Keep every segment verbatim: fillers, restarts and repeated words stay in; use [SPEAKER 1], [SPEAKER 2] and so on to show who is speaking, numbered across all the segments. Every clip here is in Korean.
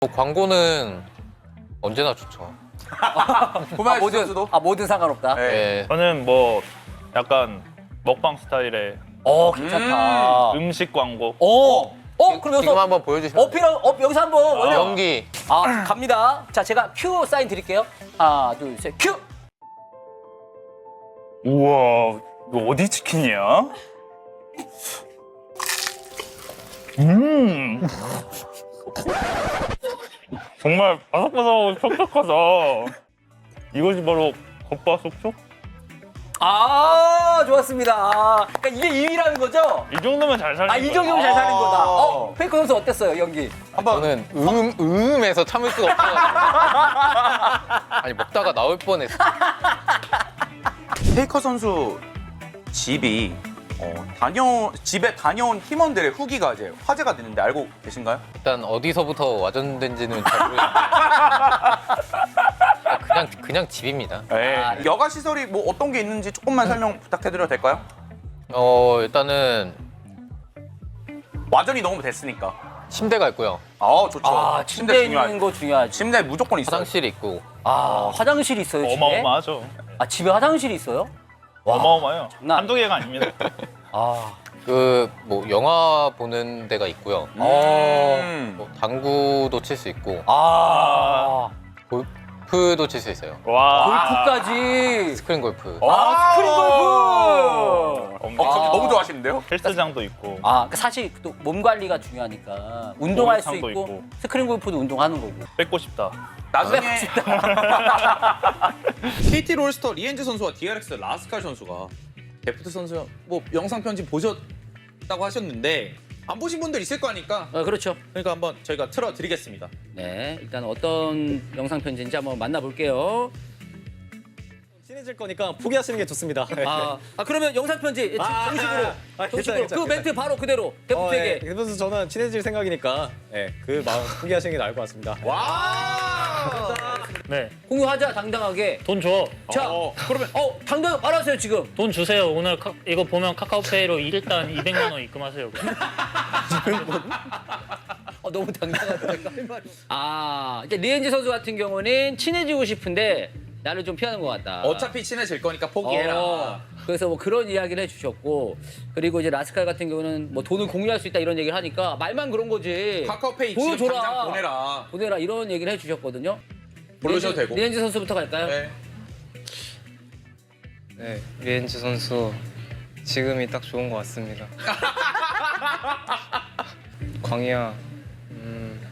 [SPEAKER 1] 뭐 광고는 언제나 좋죠.
[SPEAKER 2] 고마워
[SPEAKER 3] 아, 뭐든,
[SPEAKER 2] 선수도.
[SPEAKER 3] 아, 뭐든 상관없다.
[SPEAKER 2] 네.
[SPEAKER 1] 예.
[SPEAKER 4] 저는 뭐 약간 먹방 스타일의
[SPEAKER 3] 어, 괜찮다.
[SPEAKER 4] 음식 광고.
[SPEAKER 3] 어, 어, 그럼
[SPEAKER 1] 지금
[SPEAKER 3] 여기서
[SPEAKER 1] 한번 보여주시면
[SPEAKER 3] 어필, 어, 여기서 한번 원래
[SPEAKER 1] 연기.
[SPEAKER 3] 아, 갑니다. 자, 제가 큐 사인 드릴게요. 하나, 둘, 셋, 큐.
[SPEAKER 4] 우와, 이거 어디 치킨이야? 음. 정말 바삭바삭하고 촉촉하다. 이것이 바로 겉바속촉?
[SPEAKER 3] 아, 좋았습니다. 아, 그러니까 이게 이 위라는 거죠?
[SPEAKER 4] 이 정도면 잘 살린
[SPEAKER 3] 아, 이
[SPEAKER 4] 거야.
[SPEAKER 3] 정도면 잘 사는 거다.
[SPEAKER 2] 아.
[SPEAKER 3] 어, 페이커 선수 어땠어요, 연기?
[SPEAKER 2] 한번
[SPEAKER 1] 저는 음, 음에서 참을 수가 없어요. 아니 먹다가 나올 뻔했어.
[SPEAKER 2] 페이커 선수 집이 어, 다녀 집에 다녀온 팀원들의 후기가 이제 화제가 됐는데 알고 계신가요?
[SPEAKER 1] 일단 어디서부터 와전된지는 잘 모르겠는데 그냥 그냥 집입니다.
[SPEAKER 4] 네.
[SPEAKER 3] 아,
[SPEAKER 2] 여가 시설이 뭐 어떤 게 있는지 조금만 설명 부탁해드려도 될까요?
[SPEAKER 1] 어 일단은
[SPEAKER 2] 와전이 너무 됐으니까.
[SPEAKER 1] 침대가 있고요.
[SPEAKER 2] 아 좋죠.
[SPEAKER 3] 아, 침대 있는
[SPEAKER 2] 중요하죠.
[SPEAKER 3] 거 중요하지.
[SPEAKER 2] 침대 무조건 있어요.
[SPEAKER 1] 화장실이 있고
[SPEAKER 3] 아, 화장실이 있어요, 집에?
[SPEAKER 4] 어마어마하죠.
[SPEAKER 3] 아, 집에 화장실이 있어요? 와.
[SPEAKER 4] 어마어마해요.
[SPEAKER 3] 장난
[SPEAKER 4] 한두 개가 아닙니다.
[SPEAKER 3] 아,
[SPEAKER 1] 그 뭐 영화 보는 데가 있고요.
[SPEAKER 2] 음.
[SPEAKER 1] 뭐 당구도 칠 수 있고
[SPEAKER 3] 아,
[SPEAKER 1] 골프도 칠 수 있어요.
[SPEAKER 4] 와.
[SPEAKER 3] 골프까지.
[SPEAKER 1] 스크린 골프.
[SPEAKER 3] 아, 스크린 골프.
[SPEAKER 2] 어, 갑자기
[SPEAKER 3] 아.
[SPEAKER 2] 너무 좋아하시는데요?
[SPEAKER 4] 헬스장도 있고.
[SPEAKER 3] 아, 그 사실 또 몸 관리가 중요하니까 운동할 수 있고,
[SPEAKER 4] 목욕탕도 있고.
[SPEAKER 3] 스크린 골프도 운동하는 거고.
[SPEAKER 4] 뺏고 싶다.
[SPEAKER 2] 나중에 케이티 롤스터 리엔즈 선수와 디알엑스 라스칼 선수가 데프트 선수 뭐 영상 편집 보셨다고 하셨는데 안 보신 분들 있을 거니까
[SPEAKER 3] 어, 그렇죠.
[SPEAKER 2] 그러니까 한번 저희가 틀어드리겠습니다.
[SPEAKER 3] 네, 일단 어떤 영상 편지인지 한번 만나볼게요.
[SPEAKER 5] 친해질 거니까 포기하시는 게 좋습니다.
[SPEAKER 3] 아, 아 그러면 영상 편지
[SPEAKER 5] 아,
[SPEAKER 3] 정식으로,
[SPEAKER 5] 아, 아,
[SPEAKER 3] 정식으로
[SPEAKER 5] 괜찮아요,
[SPEAKER 3] 그
[SPEAKER 5] 괜찮아요.
[SPEAKER 3] 멘트 바로 그대로
[SPEAKER 5] 어,
[SPEAKER 3] 데프트에게.
[SPEAKER 5] 네. 그래서 저는 친해질 생각이니까 네, 그 마음 포기하시는 게 나을 것 같습니다.
[SPEAKER 2] 와!
[SPEAKER 6] 네,
[SPEAKER 3] 공유하자 당당하게.
[SPEAKER 6] 돈 줘.
[SPEAKER 3] 자,
[SPEAKER 2] 어.
[SPEAKER 3] 그러면 어 당당 말하세요 지금.
[SPEAKER 6] 돈 주세요. 오늘 카, 이거 보면 카카오페이로 일단 이백만 원 입금하세요.
[SPEAKER 3] 어, 너무 당당하다. 아, 이제 리엔지 선수 같은 경우는 친해지고 싶은데 나를 좀 피하는 것 같다.
[SPEAKER 2] 어차피 친해질 거니까 포기해라.
[SPEAKER 3] 어, 그래서 뭐 그런 이야기를 해주셨고, 그리고 이제 라스칼 같은 경우는 뭐 돈을 공유할 수 있다 이런 얘기를 하니까 말만 그런 거지.
[SPEAKER 2] 카카오페이 지금
[SPEAKER 3] 보여줘라.
[SPEAKER 2] 당장 보내라.
[SPEAKER 3] 보내라 이런 얘기를 해주셨거든요.
[SPEAKER 2] 부르셔도
[SPEAKER 3] 리엔지-
[SPEAKER 2] 되고.
[SPEAKER 3] 리엔지 선수부터 갈까요?
[SPEAKER 2] 네.
[SPEAKER 7] 네, 리엔즈 선수 지금이 딱 좋은 것 같습니다. 광희야, 음,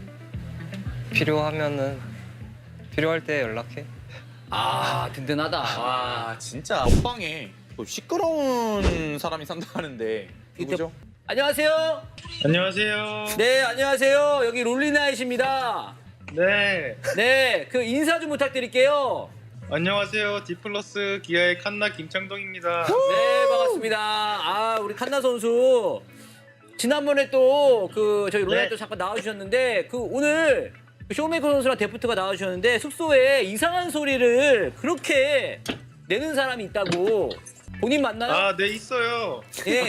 [SPEAKER 7] 필요하면은 필요할 때 연락해.
[SPEAKER 3] 아, 든든하다.
[SPEAKER 2] 와 진짜 옆방에 또 시끄러운 사람이 산다는데 누구죠?
[SPEAKER 3] 안녕하세요.
[SPEAKER 8] 안녕하세요.
[SPEAKER 3] 네, 안녕하세요. 여기 롤리나잇입니다.
[SPEAKER 8] 네.
[SPEAKER 3] 네, 그 인사 좀 부탁드릴게요.
[SPEAKER 8] 안녕하세요. 디플러스 기아의 칸나 김창동입니다.
[SPEAKER 3] 네, 반갑습니다. 아, 우리 칸나 선수. 지난번에 또 그 저희 롤라이
[SPEAKER 8] 네.
[SPEAKER 3] 또 잠깐 나와주셨는데 그 오늘 그 쇼메이커 선수랑 데프트가 나와주셨는데 숙소에 이상한 소리를 그렇게 내는 사람이 있다고. 본인 맞나요?
[SPEAKER 8] 아, 네, 있어요.
[SPEAKER 3] 예.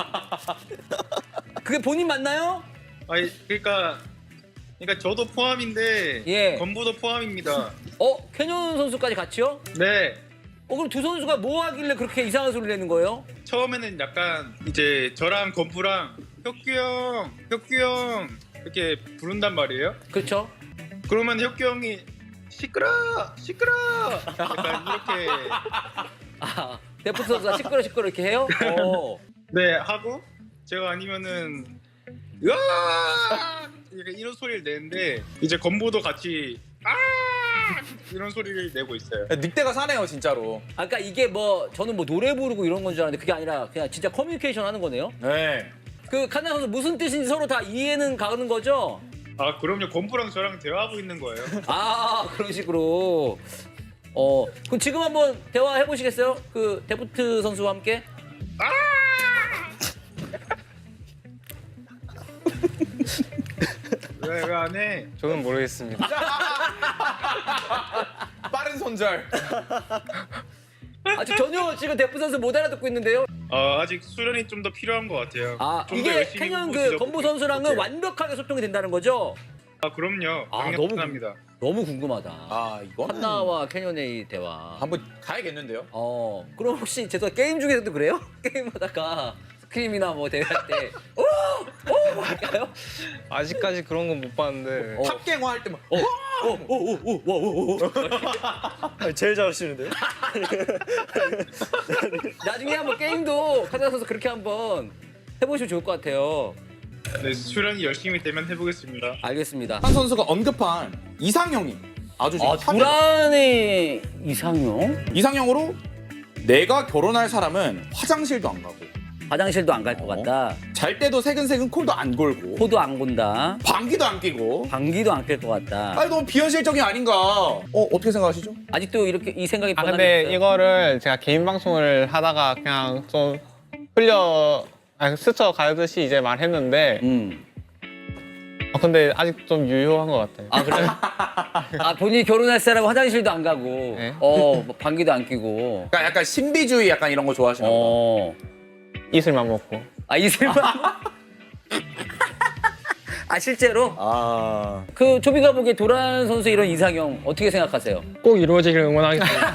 [SPEAKER 3] 그게 본인 맞나요?
[SPEAKER 8] 아니, 그러니까 그러니까 저도 포함인데
[SPEAKER 3] 예.
[SPEAKER 8] 건부도 포함입니다.
[SPEAKER 3] 어, 캐년 선수까지 같이요?
[SPEAKER 8] 네.
[SPEAKER 3] 어, 그럼 두 선수가 뭐 하길래 그렇게 이상한 소리를 내는 거예요?
[SPEAKER 8] 처음에는 약간 이제 저랑 건부랑 혁규 형, 혁규 형 이렇게 부른단 말이에요.
[SPEAKER 3] 그렇죠?
[SPEAKER 8] 그러면 혁규 형이 시끄러, 시끄러. 약간 이렇게
[SPEAKER 3] 아, 데프트 선수가 시끄러 시끄러 이렇게 해요? 어.
[SPEAKER 8] 네 하고 제가 아니면은 으아 약간 이런 소리를 내는데 이제 건보도 같이 아 이런 소리를 내고 있어요.
[SPEAKER 2] 늑대가 사네요 진짜로.
[SPEAKER 3] 아까 이게 뭐 저는 뭐 노래 부르고 이런 건 줄 알았는데 그게 아니라 그냥 진짜 커뮤니케이션 하는 거네요?
[SPEAKER 2] 네.
[SPEAKER 3] 그 칸나 선수 무슨 뜻인지 서로 다 이해는 가는 거죠?
[SPEAKER 8] 아 그럼요. 건보랑 저랑 대화하고 있는 거예요.
[SPEAKER 3] 아, 그런 식으로. 어, 그럼 지금 한번 대화 해보시겠어요? 그 데프트 선수와 함께?
[SPEAKER 8] 왜 왜 안 해?
[SPEAKER 7] 저는 모르겠습니다.
[SPEAKER 2] 빠른 손절.
[SPEAKER 3] 아직 전혀 지금 데프트 선수 못 알아듣고 있는데요?
[SPEAKER 8] 어, 아직 수련이 좀 더 필요한 것 같아요.
[SPEAKER 3] 아,
[SPEAKER 8] 좀더
[SPEAKER 3] 이게
[SPEAKER 8] 열심히
[SPEAKER 3] 캐년
[SPEAKER 8] 보고
[SPEAKER 3] 그
[SPEAKER 8] 지적
[SPEAKER 3] 건보
[SPEAKER 8] 볼게요.
[SPEAKER 3] 선수랑은 완벽하게 소통이 된다는 거죠?
[SPEAKER 8] 아 그럼요.
[SPEAKER 3] 아,
[SPEAKER 8] 강력
[SPEAKER 3] 너무
[SPEAKER 8] 추천합니다.
[SPEAKER 3] 너무 궁금하다.
[SPEAKER 2] 아 이거는
[SPEAKER 3] 한나와 캐년의 이 대화.
[SPEAKER 2] 한번 가야겠는데요.
[SPEAKER 3] 어, 그럼 혹시 제가 게임 중에서도 그래요? 게임하다가 스크림이나 뭐 대회할 때 오! 오! 할까요?
[SPEAKER 7] 아직까지 그런 건 못 봤는데.
[SPEAKER 3] 어.
[SPEAKER 2] 탑갱화 할 때만
[SPEAKER 3] 오! 오! 오! 오! 오! 오!
[SPEAKER 5] 제일 잘하시는데요?
[SPEAKER 3] 나중에 한번 게임도 카드나 선수 그렇게 한번 해보시면 좋을 것 같아요.
[SPEAKER 8] 네, 수련이 열심히 되면 해보겠습니다.
[SPEAKER 3] 알겠습니다.
[SPEAKER 2] 한 선수가 언급한 이상형이 아주 지금
[SPEAKER 3] 아,
[SPEAKER 2] 탑이다.
[SPEAKER 3] 두란의 이상형?
[SPEAKER 2] 이상형으로 내가 결혼할 사람은 화장실도 안 가고
[SPEAKER 3] 화장실도 안 갈 것 같다.
[SPEAKER 2] 잘 때도 새근새근 콜도 안 골고
[SPEAKER 3] 코도 안 본다.
[SPEAKER 2] 방귀도 안 끼고
[SPEAKER 3] 방귀도 안 낄 것 같다.
[SPEAKER 2] 아니 너무 비현실적인 아닌가? 어 어떻게 생각하시죠?
[SPEAKER 3] 아직도 이렇게 이 생각이
[SPEAKER 9] 아
[SPEAKER 3] 변함이
[SPEAKER 9] 근데
[SPEAKER 3] 있어요?
[SPEAKER 9] 이거를 제가 개인 방송을 하다가 그냥 좀 흘려 아니, 스쳐 가듯이 이제 말했는데
[SPEAKER 3] 음.
[SPEAKER 9] 어, 근데 아직 좀 유효한 것 같아요.
[SPEAKER 3] 아 그래요? 아 본인이 결혼할 사람은 화장실도 안 가고,
[SPEAKER 9] 네.
[SPEAKER 3] 어 뭐 방귀도 안 끼고,
[SPEAKER 2] 그러니까 약간 신비주의 약간 이런 거 좋아하시는 거.
[SPEAKER 3] 어.
[SPEAKER 9] 이슬만 먹고.
[SPEAKER 3] 아 이슬만. 아 실제로?
[SPEAKER 2] 아
[SPEAKER 3] 그 조비가 보기에 도란 선수 이런 이상형 어떻게 생각하세요?
[SPEAKER 9] 꼭 이루어지길 응원하겠습니다.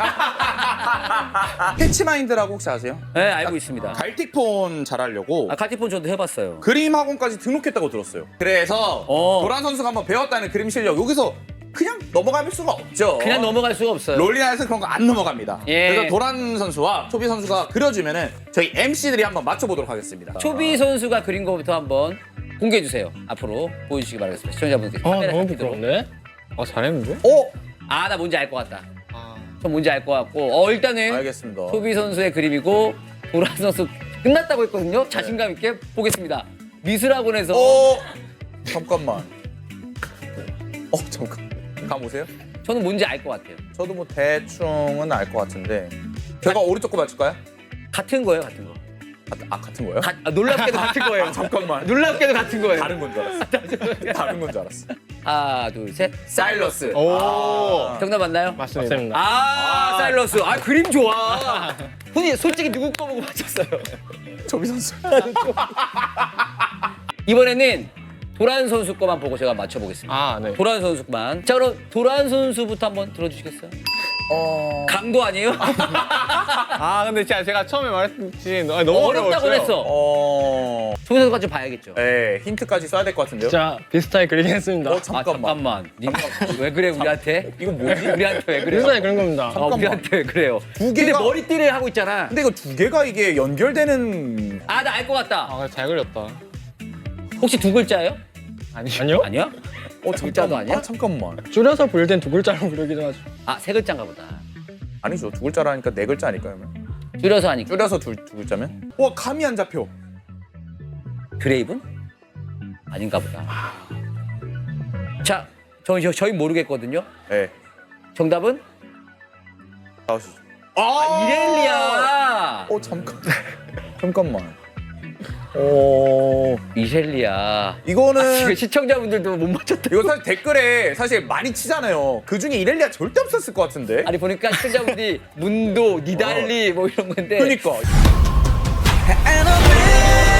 [SPEAKER 2] 패치마인드라고 혹시 아세요?
[SPEAKER 3] 네 알고 있습니다.
[SPEAKER 2] 갈틱폰 잘하려고
[SPEAKER 3] 아 카티폰 저도 해봤어요.
[SPEAKER 2] 그림 학원까지 등록했다고 들었어요. 그래서
[SPEAKER 3] 어.
[SPEAKER 2] 도란 선수가 한번 배웠다는 그림 실력 여기서 그냥 넘어갈 수가 없죠.
[SPEAKER 3] 그냥 넘어갈 수가 없어요.
[SPEAKER 2] 롤리나에서 그런 거 안 넘어갑니다.
[SPEAKER 3] 예.
[SPEAKER 2] 그래서 도란 선수와 초비 선수가 그려주면은 저희 엠씨들이 한번 맞춰보도록 하겠습니다.
[SPEAKER 3] 초비 선수가 그린 거부터 한번 공개해 주세요. 앞으로 보여주시기 바라겠습니다. 시청자분들
[SPEAKER 9] 아
[SPEAKER 3] 카메라
[SPEAKER 9] 너무
[SPEAKER 3] 잡히도록.
[SPEAKER 9] 부끄럽네. 어 잘했는데?
[SPEAKER 2] 어?
[SPEAKER 3] 아 나 뭔지 알 것 같다.
[SPEAKER 9] 아.
[SPEAKER 3] 저 뭔지 알 것 같고. 어 일단은
[SPEAKER 2] 알겠습니다.
[SPEAKER 3] 초비 선수의 그림이고 도란 선수 끝났다고 했거든요. 자신감 있게 보겠습니다. 미술학원에서
[SPEAKER 2] 어? 잠깐만. 어 잠깐. 감 오세요?
[SPEAKER 3] 저는 뭔지 알 것 같아요.
[SPEAKER 2] 저도 뭐 대충은 알 것 같은데 제가 오른쪽 거 맞출까요?
[SPEAKER 3] 같은 거예요, 같은 거.
[SPEAKER 2] 아, 아 같은 거예요?
[SPEAKER 3] 가, 아, 놀랍게도 같은 거예요.
[SPEAKER 2] 잠깐만.
[SPEAKER 3] 놀랍게도 같은 거예요.
[SPEAKER 2] 다른 건 줄 알았어. 다른 건 줄 알았어.
[SPEAKER 3] 하나, 둘, 셋. 사일러스.
[SPEAKER 9] 오.
[SPEAKER 2] 아.
[SPEAKER 3] 정답 맞나요?
[SPEAKER 9] 맞습니다.
[SPEAKER 3] 아, 사일러스. 아, 그림 좋아. 훈이 솔직히 누구 거 보고 맞췄어요?
[SPEAKER 2] 조비 선수.
[SPEAKER 3] 이번에는 도란 선수 거만 보고 제가 맞춰보겠습니다.
[SPEAKER 9] 아 네.
[SPEAKER 3] 도란 선수만. 자, 그럼 도란 선수부터 한번 들어주시겠어요?
[SPEAKER 2] 어.
[SPEAKER 3] 강도 아니에요?
[SPEAKER 9] 아 근데 진짜 제가 처음에 말했듯이 너무
[SPEAKER 3] 어렵다고
[SPEAKER 9] 어려웠어요.
[SPEAKER 3] 했어.
[SPEAKER 2] 어.
[SPEAKER 3] 조비 선수가 좀 봐야겠죠.
[SPEAKER 2] 네, 힌트까지 써야 될 것 같은데요.
[SPEAKER 9] 진짜 비슷하게 그리긴 했습니다.
[SPEAKER 2] 어
[SPEAKER 3] 아,
[SPEAKER 2] 잠깐만.
[SPEAKER 3] 잠깐만. 니가 왜 그래, 우리한테?
[SPEAKER 2] 이거 뭐지?
[SPEAKER 3] 우리한테 왜 그래요?
[SPEAKER 9] 비슷하게 그린 겁니다.
[SPEAKER 3] 아, 우리한테 왜 그래요?
[SPEAKER 2] 두
[SPEAKER 3] 근데
[SPEAKER 2] 개가.
[SPEAKER 3] 머리띠를 하고 있잖아.
[SPEAKER 2] 근데 이거 두 개가 이게 연결되는.
[SPEAKER 3] 아, 나 알 것 같다.
[SPEAKER 9] 아 잘 그렸다.
[SPEAKER 3] 혹시 두 글자예요?
[SPEAKER 9] 아니, 아니요?
[SPEAKER 3] 아니야?
[SPEAKER 2] 어
[SPEAKER 3] 글자도 아니야?
[SPEAKER 2] 아, 잠깐만.
[SPEAKER 9] 줄여서 부를 땐 두 글자로 부르기도 하죠.
[SPEAKER 3] 아, 세 글자인가 보다.
[SPEAKER 2] 아니죠. 두 글자라니까 네 글자 아닐까요? 그러면?
[SPEAKER 3] 줄여서 하니까.
[SPEAKER 2] 줄여서 두, 두 글자면? 와 감이 안 잡혀.
[SPEAKER 3] 그레이븐? 아닌가 보다. 자, 저, 저, 저희 모르겠거든요.
[SPEAKER 2] 네.
[SPEAKER 3] 정답은?
[SPEAKER 2] 나오시죠.
[SPEAKER 3] 아, 이렐리아!
[SPEAKER 2] 어 잠깐. 잠깐만. 어
[SPEAKER 3] 이렐리아.
[SPEAKER 2] 이거는
[SPEAKER 3] 아, 지금 시청자분들도 못 맞췄다.
[SPEAKER 2] 이거 사실 댓글에 사실 많이 치잖아요. 그 중에 이렐리아 절대 없었을 것 같은데.
[SPEAKER 3] 아니, 보니까 시청자분들이 문도, 니달리 뭐 이런 건데.
[SPEAKER 2] 그러니까.
[SPEAKER 10] And I'm